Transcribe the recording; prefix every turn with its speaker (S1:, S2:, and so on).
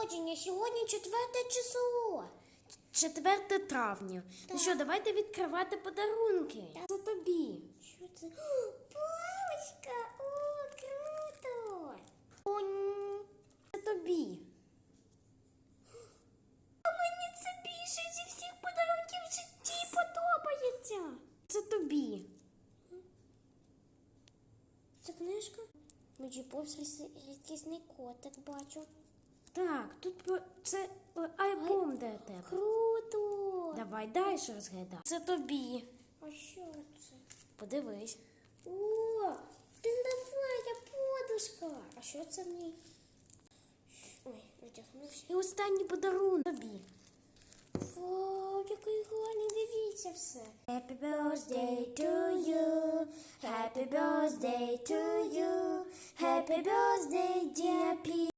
S1: народження. Сьогодні 4 число.
S2: 4 травня. Ну що, давайте відкривати подарунки. Це тобі.
S1: Що це? О, паличка! О, круто!
S2: Це тобі.
S1: А мені це більше зі всіх подарунків в житті подобається.
S2: Це тобі.
S1: Це книжка? Мені повз рідкісний котик бачу.
S2: Так, це альбом для тебе.
S1: Круто!
S2: Давай далі розглядай. Це тобі.
S1: А що це?
S2: Подивись.
S1: О, тендовая подушка. А що це в ній? Ой, витягнувся.
S2: І останній подарунок тобі.
S1: Вау, який гарний, дивіться все.
S2: Happy birthday to you. Happy birthday to you. Happy birthday, dear P.